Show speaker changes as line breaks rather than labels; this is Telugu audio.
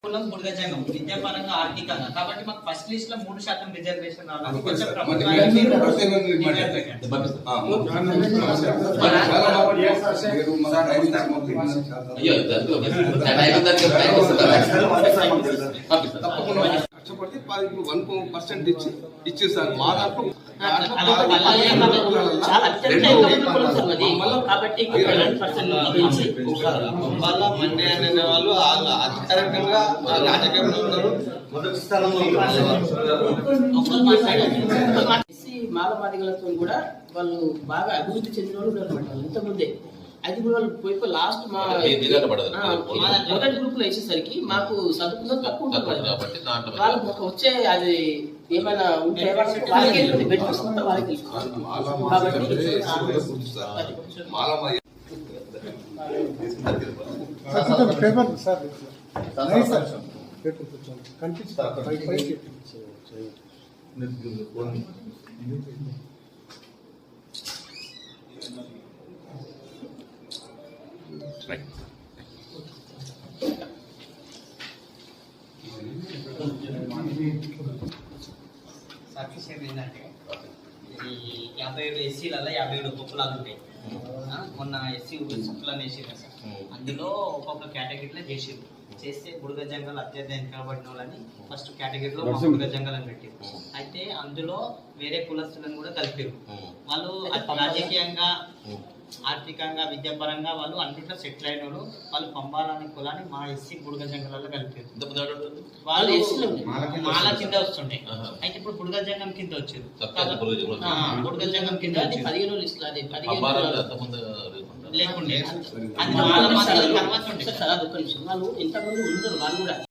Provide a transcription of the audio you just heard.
కులం బుడగజంగం విద్యాపరంగా ఆర్థికంగా కాబట్టి మాకు ఫస్ట్ లిస్ట్ లో 3% రిజర్వేషన్ రావాలి కొంచెం ప్రభుత్వానికి
కష్టపడితే 1% ఇచ్చేసారు మా దాంట్లో మండే అనే వాళ్ళు అధికారికంగా రాజకీయంలో ఉన్నారు మొదటి స్థానంలో
మాలమాదిగలతో కూడా వాళ్ళు బాగా అభివృద్ధి చెందిన వాళ్ళు ఉన్నారు ఇంతకుముందే అది కూడా వాళ్ళు పోయి లాస్ట్ మా మొదటి గ్రూప్ లో వేసేసరికి మాకు చదువుకున్న తక్కువ ఉంటుంది వాళ్ళకి ఒక వచ్చే అది ఏమైనా ఉంటే వాళ్ళకి వాళ్ళకి
సర్టిఫికేట్ ఏంటంటే ఈ 57 ఎస్సీలలో 57 కులాలు ఉంటాయి. మొన్న ఎస్సీ కులాలు వేసారు సార్. అందులో ఒక్కొక్క కేటగిరీలో చేస్తే బుడగ జంగల్ అత్యంత వెనుకబడిన వాళ్ళని ఫస్ట్ కేటగిరీలో బుడగ జంగల్ అని పెట్టారు. అయితే అందులో వేరే కులస్తులను కూడా కలిపారు. వాళ్ళు రాజకీయంగా ఆర్థికంగా విద్యాపరంగా వాళ్ళు అన్నింటిలో సెటిల్ అయిన వాళ్ళు పంపాలని కులాన్ని మా ఎస్సీ బుడగ జంగలలో కలిపారు. వాళ్ళు మాల కింద వస్తుండే అయితే ఇప్పుడు బుడగ జంగం కింద వచ్చారు. బుడగ జంగం కింద
15 లిస్టులు
లేకుండే
వాళ్ళు ఇంతమంది ఉన్నారు వాళ్ళు కూడా